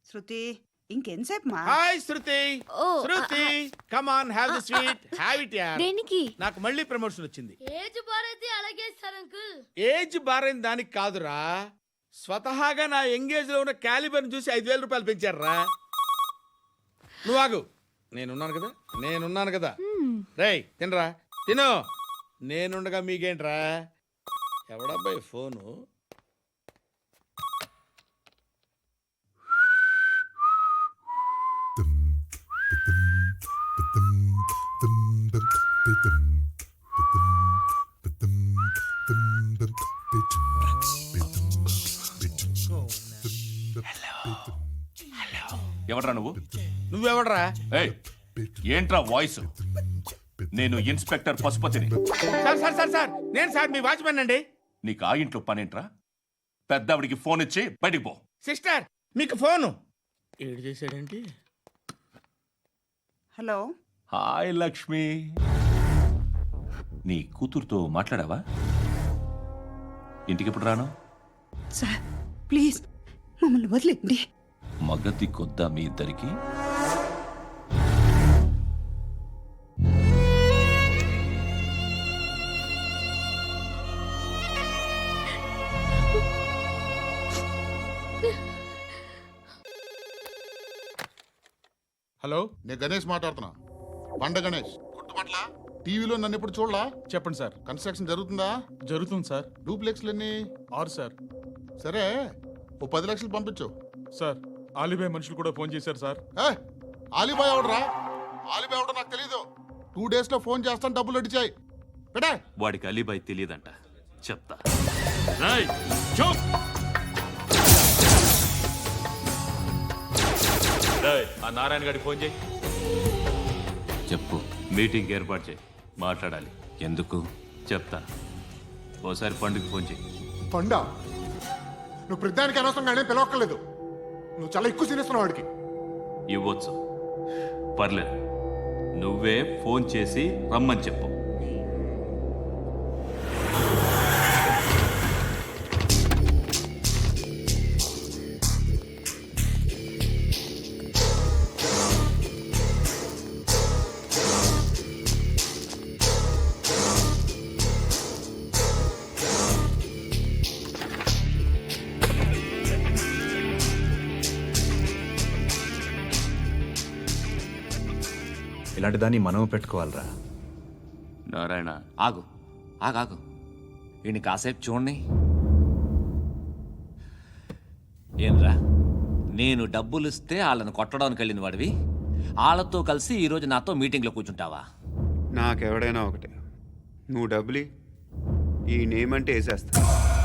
శృతి ఇంకెంతసేపు మా hi Shruti. Oh, Shruti come on have the sweet have it యార్. దేనికి? నాకు మళ్ళీ ప్రమోషన్ వచ్చింది. ఏజ్ బారైతే అలాగే సార్ అంకుల్. ఏజ్ బారైన దానికి కాదురా, స్వతహాగా నా ఎంగేజ్ లో ఉన్న క్యాలిబర్ చూసి 5,000 రూపాయలు పెంచారా. నువ్వు ఆగు, నేనున్నాను కదా. రేయ్ తినరా, తిను. నేనుండగా మీకేంట్రా. ఎవడబ్బాయి ఫోను? ఎవడ్రా నువ్వు? నువ్వెవడరా? ఏయ్, ఏంట్రా వాయిస్? నేను ఇన్స్పెక్టర్ పశుపతిని. సార్ నేను సార్ మీ వాచ్మెన్ అండి. నీకు ఆ ఇంట్లో పనేంట్రా? పెద్దవిడికి ఫోన్ ఇచ్చి బయటికి పో. సిస్టర్ మీకు ఫోను. ఏడు చేశాడేంటి? హలో. హాయ్ లక్ష్మి, నీ కూతురుతో మాట్లాడావా? ఇంటికి ఎప్పుడు రాను? సార్ ప్లీజ్ మమ్మల్ని వదిలేండి. మగతి కొద్దా మీ ఇద్దరికి? హలో, నేను గణేష్ మాట్లాడుతున్నా. బండ గణేష్ గుర్తుపట్ల. టీవీలో నన్ను ఎప్పుడు చూడలా? చెప్పండి సార్. కన్స్ట్రక్షన్ జరుగుతుందా? జరుగుతుంది సార్. డూప్లెక్స్లు ఎన్ని? 6 సార్. సరే, ఓ 10 లక్షలు పంపించు. సార్, ఆలిబాయ్ మనుషులు కూడా ఫోన్ చేశారు సార్. ఆలిబాయ్ ఎవడరా? ఆలిబాయ్ ఎవడో నాకు తెలీదు. 2 days లో ఫోన్ చేస్తాను, డబ్బులు అడిచాయి పెడే. వాడికి అలీబాయ్ తెలియదంట, చెప్తా. ఆ నారాయణ గారికి ఫోన్ చేయి. చెప్పు. మీటింగ్ ఏర్పాటు చేయి, మాట్లాడాలి. ఎందుకు చెప్తా. ఓసారి పండుగ ఫోన్ చేయి. పండ, నువ్వు ప్రతిదానికి అనవసరంగానే పిలవక్కర్లేదు. నువ్వు చాలా ఎక్కువ తినేస్తున్నావు వాడికి. ఇవ్వచ్చు, పర్లేదు. నువ్వే ఫోన్ చేసి రమ్మని చెప్పు. ఇలాంటి దాన్ని మనం పెట్టుకోవాలరా. నారాయణ, ఆగు ఆగాగు, ఈయన కాసేపు చూడండి. ఏంరా, నేను డబ్బులు ఇస్తే వాళ్ళని కొట్టడానికి వెళ్ళిన వాడివి, వాళ్ళతో కలిసి ఈరోజు నాతో మీటింగ్లో కూర్చుంటావా? నాకెవడైనా ఒకటే, నువ్వు డబ్బులి, ఈ నేమ్ అంటే వేసేస్తా.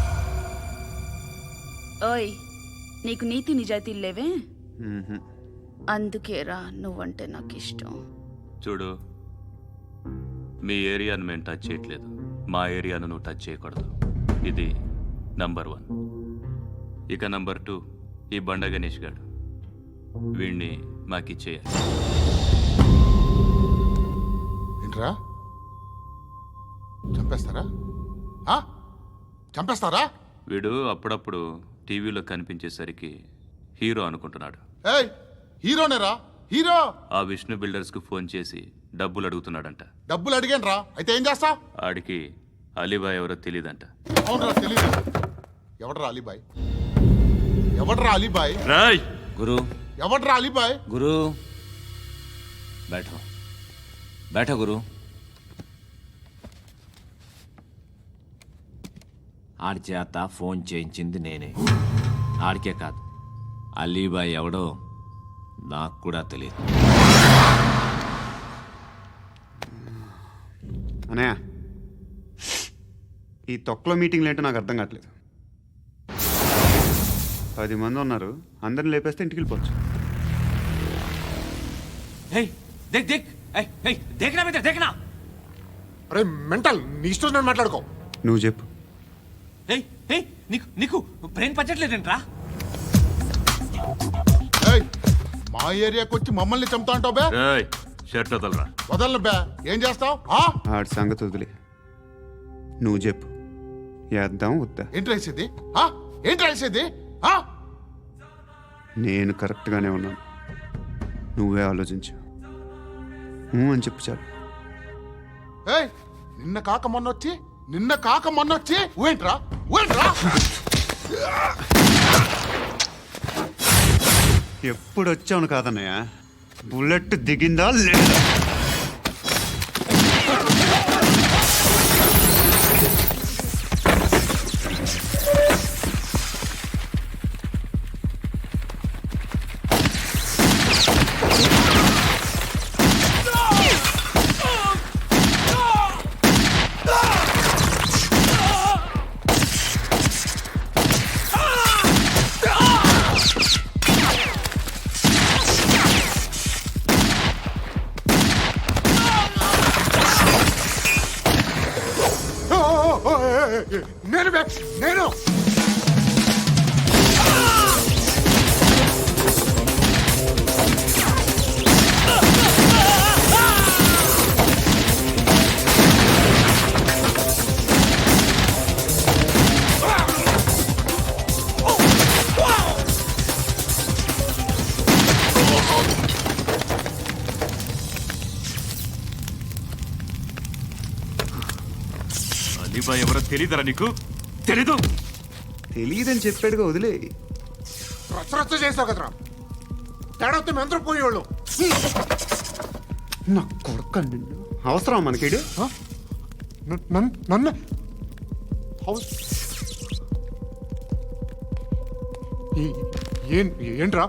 ఓయ్, నీకు నీతి నిజాయితీలు లేవే, అందుకేరా నువ్వంటే నాకు ఇష్టం. చూడు, మీ ఏరియాను మేము టచ్ చేయట్లేదు, మా ఏరియాను నువ్వు టచ్ చేయకూడదు. ఇది నంబర్ 1. ఇక నంబర్ 2, ఈ బండ గణేష్ గారు, వీణ్ణి మాకిచ్చేయాలి. ఏంట్రా, చంపేస్తారా? చంపేస్తారా? వీడు అప్పుడప్పుడు టీవీలో కనిపించేసరికి హీరో అనుకుంటున్నాడు. ఏయ్, హీరోనేరా, హీరో. ఆ విష్ణు బిల్డర్స్కు ఫోన్ చేసి డబ్బులు అడుగుతున్నాడంట. డబ్బులు అడిగాను రా, అయితే ఏం చేస్తా? ఆడికి అలీబాయ్ ఎవరో తెలీదంట. అవునరా, తెలీదు. ఎవడరా అలీబాయ్? ఎవడరా అలీబాయ్? రాయ్ గురు, ఎవడరా అలీబాయ్? గురు బైఠో బైఠో గురు. ఆడి చేత ఫోన్ చేయించింది నేనే. ఆడికే కాదు, అలీబాయ్ ఎవడో నాకు కూడా తెలియదు. అనయ్య, ఈ తొక్కలో మీటింగ్లు ఏంటో నాకు అర్థం కావట్లేదు. 10 మంది ఉన్నారు, అందరిని లేపేస్తే ఇంటికి వెళ్ళిపోవచ్చు. అరే మెంటల్, నీ ఇష్టం నేను మాట్లాడుకో. నువ్వు చెప్పు. నీకు బ్రెయిన్ పచ్చట్లేదంట్రా? మా ఏరియాకి వచ్చి మమ్మల్ని చంపుతా అంటావు బే? షర్ట్ వదలరా. వదలను బే. ఏం చేస్తావు? ఆడి సంగతి వదిలే, నువ్వు చెప్పు. వేద్దాం వద్దా? ఏంటి రాసేది? ఏంటి రాసేది? నేను కరెక్ట్గానే ఉన్నాను. నువ్వే ఆలోచించు. అని చెప్పు చాలు. ఏయ్, నిన్న కాక మొన్నొచ్చి ఊయంట్రా. ఎప్పుడు వచ్చావును కాదన్నయ్య, బుల్లెట్ దిగిందా లేదా? నేను అలీబాయ్ ఎవరో తెలీదరా నీకు? తెలీదు. తెలియదని చెప్పాడుగా, వదిలే. రచ్చ చేసావు కదరా. తేడా వస్తే మెంతరం పోయేవాళ్ళు. నా కొడుకు నిన్ను అవసరం మనకిడు. నన్ను ఏంట్రా?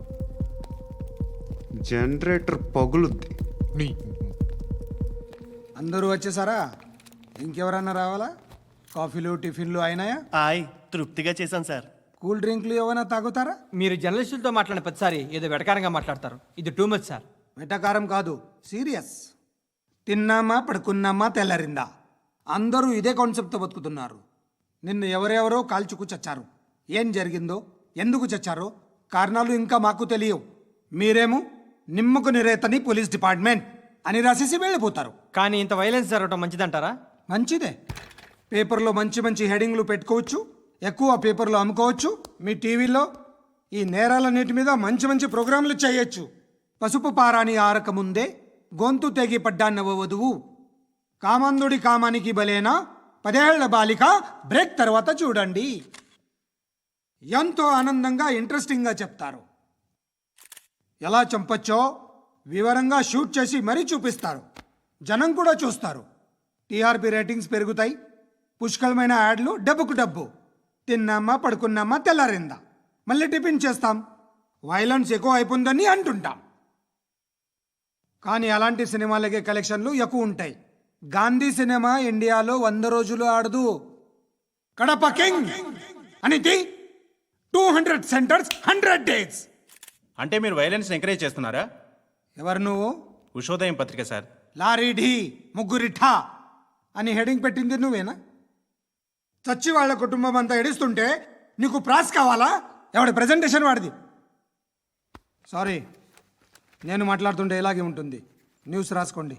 జనరేటర్ పగులుద్ది. నీ అందరూ వచ్చేసారా? ఇంకెవరన్నా రావాలా? కాఫీలు టిఫిన్లు అయినాయా? తృప్తిగా చేశాను సార్. కూల్ డ్రింక్లు ఏమైనా తాగుతారా? మీరు జర్నలిస్టులతో మాట్లాడిన ప్రతిసారి ఏదో వెటకారంగా మాట్లాడతారు. ఇది టూ మచ్ సార్. వెటకారం కాదు, సీరియస్. తిన్నామా పడుకున్నామా తెల్లరిందా, అందరూ ఇదే కాన్సెప్ట్తో బతుకుతున్నారు. నిన్ను ఎవరెవరో కాల్చుకు చచ్చారు. ఏం జరిగిందో, ఎందుకు చచ్చారో కారణాలు ఇంకా మాకు తెలియవు. మీరేమో నిమ్మకు నిరేతని పోలీస్ డిపార్ట్మెంట్ అని రాసేసి వెళ్ళిపోతారు. కానీ ఇంత వైలెన్స్ జరగడం మంచిదంటారా? మంచిదే. పేపర్లో మంచి మంచి హెడింగ్లు పెట్టుకోవచ్చు, ఎక్కువ పేపర్లు అమ్ముకోవచ్చు. మీ టీవీలో ఈ నేరాలన్నిటి మీద మంచి మంచి ప్రోగ్రాంలు చేయొచ్చు. పసుపు పారాని ఆరక ముందే గొంతు తెగి పడ్డాన్నవ వధువు, కామందుడి కామానికి బలేనా 10 ఏళ్ల బాలిక బ్రేక్ తర్వాత చూడండి. ఎంతో ఆనందంగా ఇంట్రెస్టింగ్గా చెప్తారు. ఎలా చంపచ్చో వివరంగా షూట్ చేసి మరీ చూపిస్తారు. జనం కూడా చూస్తారు. టీఆర్పీ రేటింగ్స్ పెరుగుతాయి. పుష్కలమైన యాడ్లు, డబ్బుకు డబ్బు. తిన్నామా పడుకున్నామా తెల్లారిందా, మళ్ళీ టిఫిన్ చేస్తాం. వైలెన్స్ ఎక్కువ అయిపోయిందని అంటుంటాం. కానీ అలాంటి సినిమాలకే కలెక్షన్లు ఎక్కువ ఉంటాయి. గాంధీ సినిమా ఇండియాలో 100 రోజులు ఆడదు. కడప కింగ్ అనేది 200 సెంటర్స్ 100 డేస్. అంటే మీరు వైలెన్స్ ఎంకరేజ్ చేస్తున్నారా? ఎవరు నువ్వు? ఉషోదయం పత్రిక సార్. లారీ ఢీ ముగ్గురిఠా అని హెడింగ్ పెట్టింది నువ్వేనా? చచ్చి వాళ్ళ కుటుంబం అంతా ఎడుస్తుంటే నీకు ప్రాస్ కావాలా? ఎవడి ప్రజెంటేషన్ వాడిది. సారీ, నేను మాట్లాడుతుంటే ఇలాగే ఉంటుంది. న్యూస్ రాసుకోండి.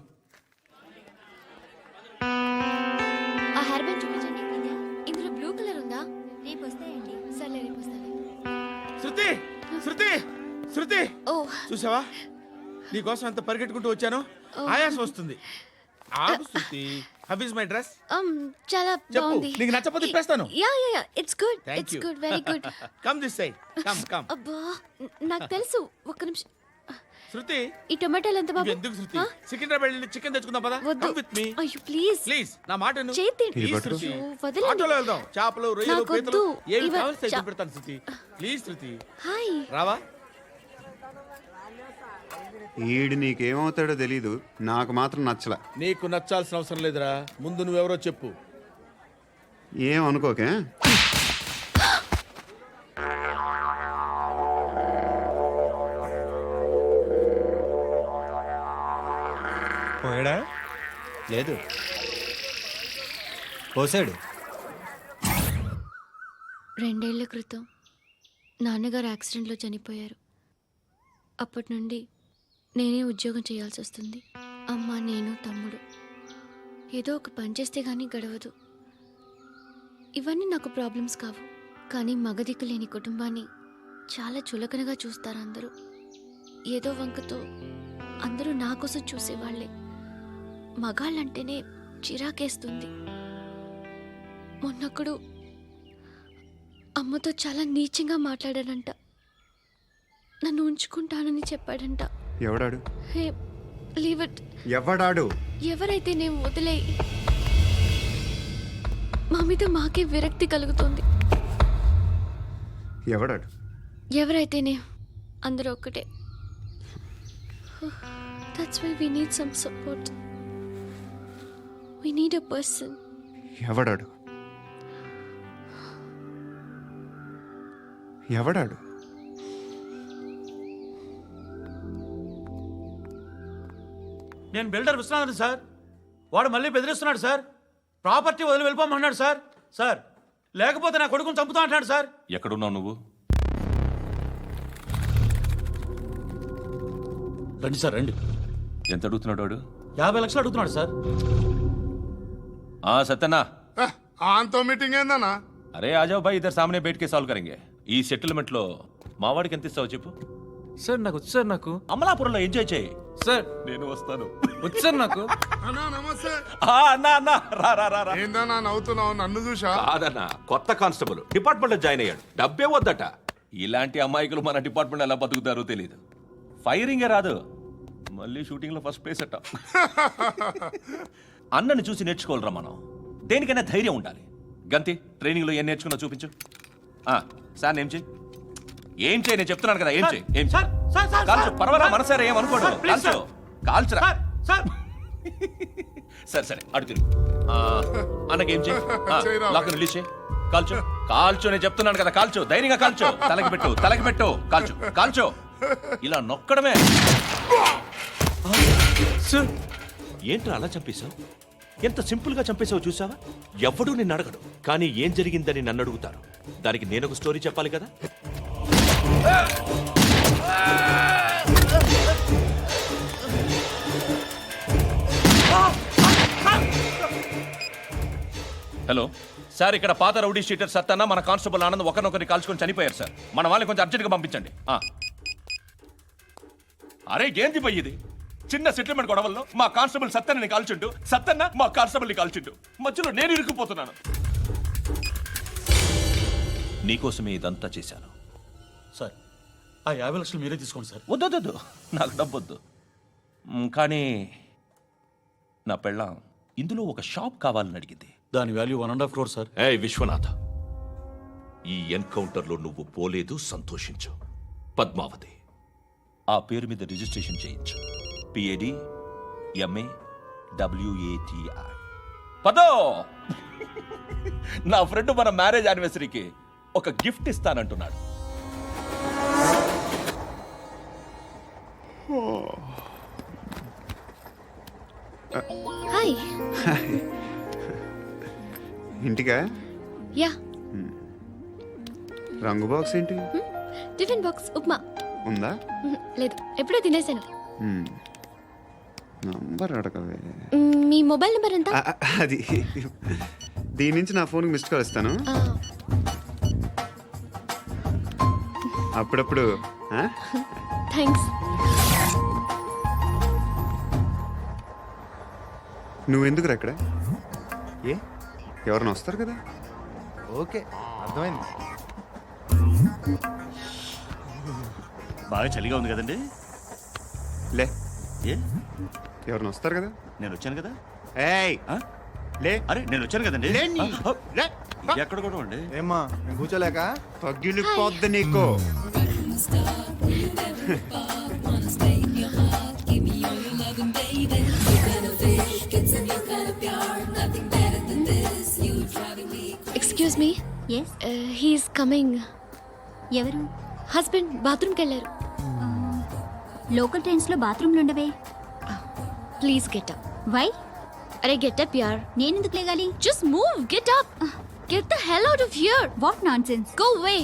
ఆ హెయిర్ బ్యాండ్ చూపించండి. ఇందులో బ్లూ కలర్ ఉందా? రేపు వస్తాయండి. సర్లే, రేపు వస్తాను. శృతి శృతి శృతి, ఓ చూసావా నీకోసం ఎంత పరిగెట్టుకుంటూ వచ్చాను. ఆయాసం వస్తుంది. ఆగు Shruti. How is my dress? చాలా చెప్పు. బాగుంది. నీకు నచ్చకపోతే తిప్పేస్తాను. Yeah it's good. Thank it's you. Good, very good. Come this side. Come అబ్బా, నాకు తెలుసు. ఒక్క నిమిషం. శృతి, ఈ టొమాటోలు ఎంత బాబు? ఎందుకు శృతి? సికింద్రాబాద్ వెళ్ళి చికెన్ తెచ్చుకుందాం పదా. వద్దు. కమ్ విత్ మీ అయ్యో ప్లీజ్ ప్లీజ్. నా మాట విను. చేతి ప్లీజ్ శృతి. అయ్యో, వదలండి. ఆటోలో వెళ్దాం. చేపలు, రొయ్యలు, నాకు పీతలు వద్దు. ఏమి ఇవ- కావాలి చా- పెడతాను శృతి. Please Shruti. హాయ్. రావా? ఈడు నీకేమవుతాడో తెలీదు, నాకు మాత్రం నచ్చలా. నీకు నచ్చాల్సిన అవసరం లేదురా. ముందు నువ్వెవరో చెప్పు. ఏం అనుకోకే. పోయాడా? లేదు, పోసాడు. 2 ఏళ్ల క్రితం నాన్నగారు యాక్సిడెంట్లో చనిపోయారు. అప్పటి నుండి నేనే ఉద్యోగం చేయాల్సి వస్తుంది. అమ్మ, నేను, తమ్ముడు. ఏదో ఒక పని చేస్తే కానీ గడవదు. ఇవన్నీ నాకు ప్రాబ్లమ్స్ కావు. కానీ మగదిక్కు లేని కుటుంబాన్ని చాలా చులకనగా చూస్తారు అందరూ. ఏదో వంకతో అందరూ నా కోసం చూసేవాళ్లే. మగాళ్ళంటేనే చిరాకేస్తుంది. మొన్నొక్కడు అమ్మతో చాలా నీచంగా మాట్లాడాడంట. నన్ను ఉంచుకుంటానని చెప్పాడంట. ఎవడాడు? Hey leave it. ఎవడాడు? ఎవరైతే నేను వదిలే. మా మీద మాకే విరక్తి కలుగుతుంది. ఎవడాడు? ఎవరైతేనే అందరూ ఒక్కటే. That's why we need some support. We need a person. ఎవడాడు? ఎవడాడు? నేను బిల్డర్ విశ్వనాథన్ సార్. వాడు మళ్ళీ బెదిరిస్తున్నాడు సార్. ప్రాపర్టీ వదిలి వెళ్ళిపోమన్నాడు సార్. సార్ లేకపోతే నా కొడుకుని చంపుతా అంటున్నాడు సార్. ఎక్కడున్నావు నువ్వు? రండి సార్ రండి. ఎంత అడుగుతున్నాడు వాడు? 50 లక్షలు అడుగుతున్నాడు సార్. సత్యనా, ఆంతో మీటింగ్ ఏందన్నా? అరే ఆజావ్ భాయ్, ఇద్దరు సామనే బయటకే సాల్వ్ కరెంగే. ఈ సెటిల్మెంట్ లో మావాడికి ఎంత ఇస్తావు చెప్పు. సార్ నాకు వచ్చు సార్. నాకు అమలాపురంలో ఎంజాయ్ చేయి సార్. నేను వస్తాను. వచ్చు సార్ నాకు. అన్నా నమస్తే. అన్నా రా. ఏందన్నా నవ్వుతున్నావు? నన్ను చూసా? కాదన్నా, కొత్త కానిస్టేబుల్ డిపార్ట్మెంట్ లో జాయిన్ అయ్యాడు. డబ్బే వద్దట. ఇలాంటి అమాయకులు మన డిపార్ట్మెంట్ ఎలా బతుకుతారో తెలియదు. ఫైరింగే రాదు, మళ్ళీ షూటింగ్ లో ఫస్ట్ ప్లేస్ అట్ట. అన్నని చూసి నేర్చుకోవాలరా మనం. దేనికైనా ధైర్యం ఉండాలి. గంతి, ట్రైనింగ్ లో ఏం నేర్చుకున్నా చూపించు. సార్ ఏం చేయి, ఏం చేయి, నేను చెప్తున్నాను కదా. ఏం చేయి, ఏం సార్ సార్ సార్ కాల్చు, పర్వాలా, మనసారా ఏమనుకోడు. సార్, ప్లీజ్ కాల్చు, కాల్చురా. సార్ సరే అడు తిరుగు. అన్నకేం చేయి, చేయరా. లాక్ రిలీజ్ చేయి. కాల్చు నేను చెప్తున్నాను కదా. కాల్చు, ధైర్యంగా కాల్చు. తలకి పెట్టు. కాల్చు. ఇలా నొక్కడమే. ఏంట్రా అలా చంపేశావు? ఎంత సింపుల్ గా చంపేశావు చూసావా? ఎవడూ నిన్ను అడగడు, కానీ ఏం జరిగిందని నన్ను అడుగుతారు. దానికి నేను ఒక స్టోరీ చెప్పాలి కదా. హలో సార్, ఇక్కడ పాత రౌడీ షీటర్ సత్తన్న, మన కానిస్టేబుల్ ఆనంద్ ఒకరినొకరిని కాల్చుకొని చనిపోయారు సార్. మన వాళ్ళని కొంచెం అర్జెంట్గా పంపించండి. అరే ఏంది పోయి ఇది? చిన్న సెటిల్మెంట్ గొడవల్లో మా కానిస్టేబుల్ సత్తన్నని కాల్చుండు, సత్తన్న మా కానిస్టేబుల్ని కాల్చుండు. మధ్యలో నేను ఇరుక్కుపోతున్నాను. నీకోసమే ఇదంతా చేశాను సార్. ఆ 50 లక్షలు మీరే తీసుకోండి సార్. వద్దొద్దు, నాకు డబ్బొద్దు. కానీ నా పెళ్ళాం ఇందులో ఒక షాప్ కావాలని అడిగింది. దాని వాల్యూ 1.5 crore సార్. విశ్వనాథ, ఈ ఎన్కౌంటర్లో నువ్వు పోలేదు, సంతోషించు. పద్మావతి ఆ పేరు మీద రిజిస్ట్రేషన్ చేయించు. PAD MA WATI. పదో, నా ఫ్రెండ్ మన మ్యారేజ్ యానివర్సరీకి ఒక గిఫ్ట్ ఇస్తానంటున్నాడు. హాయ్. ఇంటికా? యా. రంగు బాక్స్ ఏంటి? Tiffin box upma. ఉందా? లేదు, ఎప్పుడో తినేసాను. నంబర్ అడగవే. మీ మొబైల్ నెంబర్ ఎంత? అది దీని నుంచి నా ఫోన్కి మిస్డ్ కాల్ ఇస్తాను. అప్పుడప్పుడు. థ్యాంక్స్. నువ్వెందుకురా ఇక్కడ? ఎవరైనా వస్తారు కదా. ఓకే, అర్థమైంది. బాగా చలిగా ఉంది కదండి. లే, ఏ ఎవరైనా వస్తారు కదా. నేను వచ్చాను కదా. ఏయ్ లే. అరే నేను వచ్చాను కదండి. లేని. లే. ఎక్కడ కూడా అండి. ఏమ్మా నేను కూర్చోలేక? తగ్గిలిపోద్ది నీకు. Excuse me. He's coming. ఎవరు? హస్బెండ్ బాత్రూమ్కి వెళ్ళారు. లోకల్ ట్రైన్స్లో బాత్రూమ్లు ఉండవే. Please get up. వై? అరే గెట్ అప్ యార్. నేనెందుకు లేగాలి? Just move, get up. Get the hell out of here. What nonsense. Go away.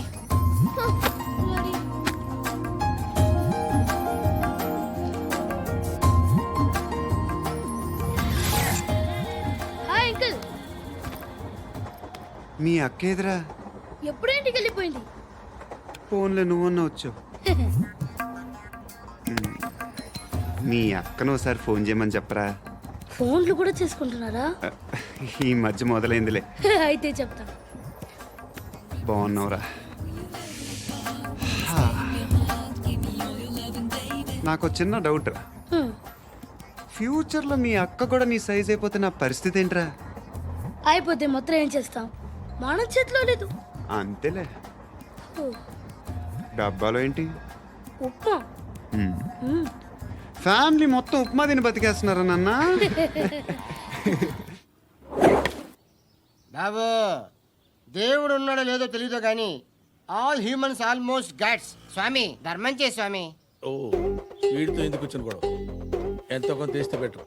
Hi uncle. మీ అక్క ఎదురా? ఎప్పుడు ఇంటికి వెళ్ళిపోయింది? ఫోన్లో నువ్వన్నా వచ్చావు. మీ అక్కను ఒకసారి ఫోన్ చేయమని చెప్పరా. ఫోన్లు కూడా చేసుకుంటున్నారా? ఈ మధ్య మొదలైందిలే. అయితే చెప్తా. బాగున్నావురా. నాకు ఒక చిన్న డౌట్ రా. ఫ్యూచర్లో మీ అక్క కూడా నీ సైజ్ అయిపోతే నా పరిస్థితి ఏంట్రా? అయిపోతే మొత్తం ఏం చేస్తాం? మన చేతిలో లేదు. అంతేలే. డబ్బాలో ఏంటి? ఉప్మా. ఫ్యామిలీ మొత్తం ఉప్మా తిని బతికేస్తున్నారా నాన్న? బాబు దేవుడు ఉన్నాడో లేదో తెలియదు కానీ ఆల్ హ్యూమన్స్ ఆల్మోస్ట్ గాడ్స్. స్వామి ధర్మం చే స్వామి. ఓ వీడితో ఎందుకు వచ్చిన గొడవ? ఎంతో కొంత తీస్తే పెట్టు.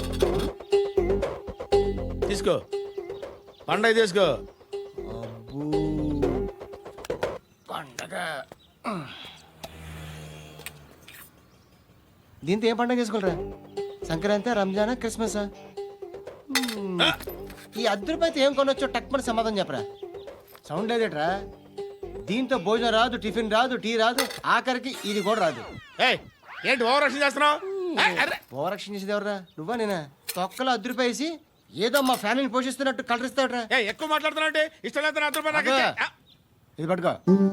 తీసుకో పండగ తీసుకో. పండగ దీంతో ఏం పండగ చేసుకోలేరా? సంక్రాంతి, రంజానా, క్రిస్మస్? ఈ అద్దరిపైతే ఏం కొనొచ్చో టక్మని సమాధానం చెప్పరా. సౌండ్ లేదేట్రా? దీంతో భోజనం రాదు, టిఫిన్ రాదు, టీ రాదు, ఆఖరికి ఇది కూడా రాదు. ఏయ్, ఏంటి ఓవర్ రక్షణ చేస్తున్నావు? ఓవరాక్షన్ చేసేది ఎవరా? నువ్వా నేనా? తొక్కలో అద్దరిపేసి ఏదో మా ఫ్యామిలీని పోషిస్తున్నట్టు కలరిస్తాడరా. ఎక్కువ మాట్లాడుతున్నావు అంటే ఇష్టం లేదు. నా రూపాయలు నాకు ఇచ్చే. ఇది పట్టుకో.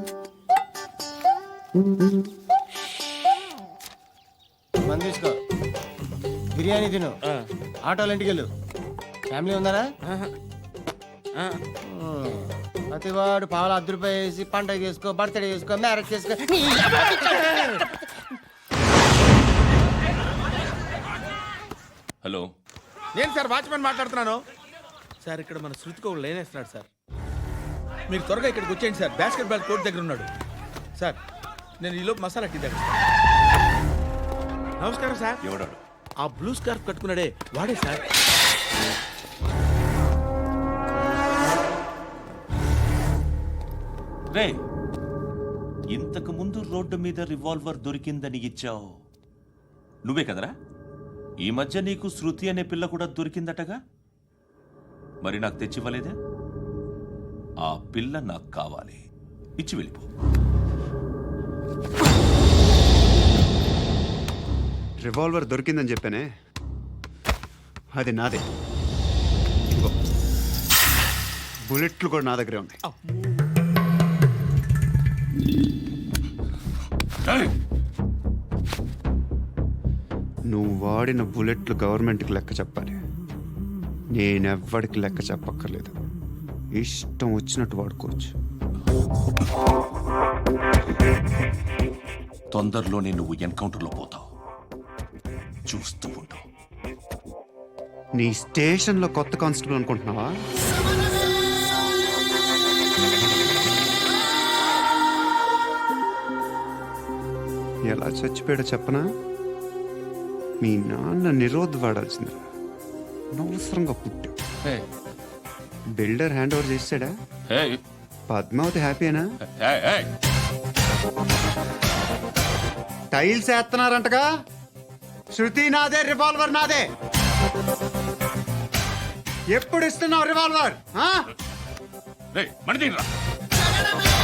మంది తీసుకో, బిర్యానీ తిను, ఆటోలు ఇంటికి వెళ్ళు. ఫ్యామిలీ ఉన్నారా? ప్రతివాడు పావుల ₹10 వేసి పండగ చేసుకో, బర్త్డే చేసుకో, మ్యారేజ్ చేసుకో. హలో, నేను సార్ వాచ్మెన్ మాట్లాడుతున్నాను సార్. ఇక్కడ మన శృతికి ఒక లైన్ వేస్తున్నాడు సార్. మీరు త్వరగా ఇక్కడికి వచ్చేయండి సార్. బాస్కెట్ బాల్ కోర్ట్ దగ్గర ఉన్నాడు సార్. నేను ఈలోపు మసాలా టీ దగ్గర. నమస్కారం సార్. ఎవడాడు? ఆ బ్లూ స్కార్ఫ్ కట్టుకున్నాడే వాడే సార్. రే, ఇంతకు ముందు రోడ్డు మీద రివాల్వర్ దొరికిందని ఇచ్చావు నువ్వే కదరా? ఈ మధ్య నీకు శృతి అనే పిల్ల కూడా దొరికిందటగా? మరి నాకు తెచ్చివ్వలేదే? ఆ పిల్ల నాకు కావాలి, ఇచ్చి వెళ్ళిపో. రివాల్వర్ దొరికిందని చెప్పానే, అది నాదే. ఇదిగో, బుల్లెట్లు కూడా నా దగ్గరే ఉన్నాయి. నువ్వు వాడిన బుల్లెట్లు గవర్నమెంట్కి లెక్క చెప్పాలి. నేనెవ్వడికి లెక్క చెప్పక్కర్లేదు. ఇష్టం వచ్చినట్టు వాడుకోవచ్చు. తొందరలోనే నువ్వు ఎన్కౌంటర్లో పోతావు, చూస్తూ ఉండు. నీ స్టేషన్లో కొత్త కానిస్టేబుల్ అనుకుంటున్నావా? ఎలా చచ్చిపోయాడో చెప్పనా? మీ నాన్న నిరోధ్ వాడాల్సిందిరా. అనవసరంగా పుట్టావు. బిల్డర్ హ్యాండ్ ఓవర్ చేసాడా? పద్మావతి హ్యాపీనా? టైల్స్ వేస్తున్నారంటగా. శృతి నాదే, రివాల్వర్ నాదే. ఎప్పుడు ఇస్తున్నావు రివాల్వర్? మణి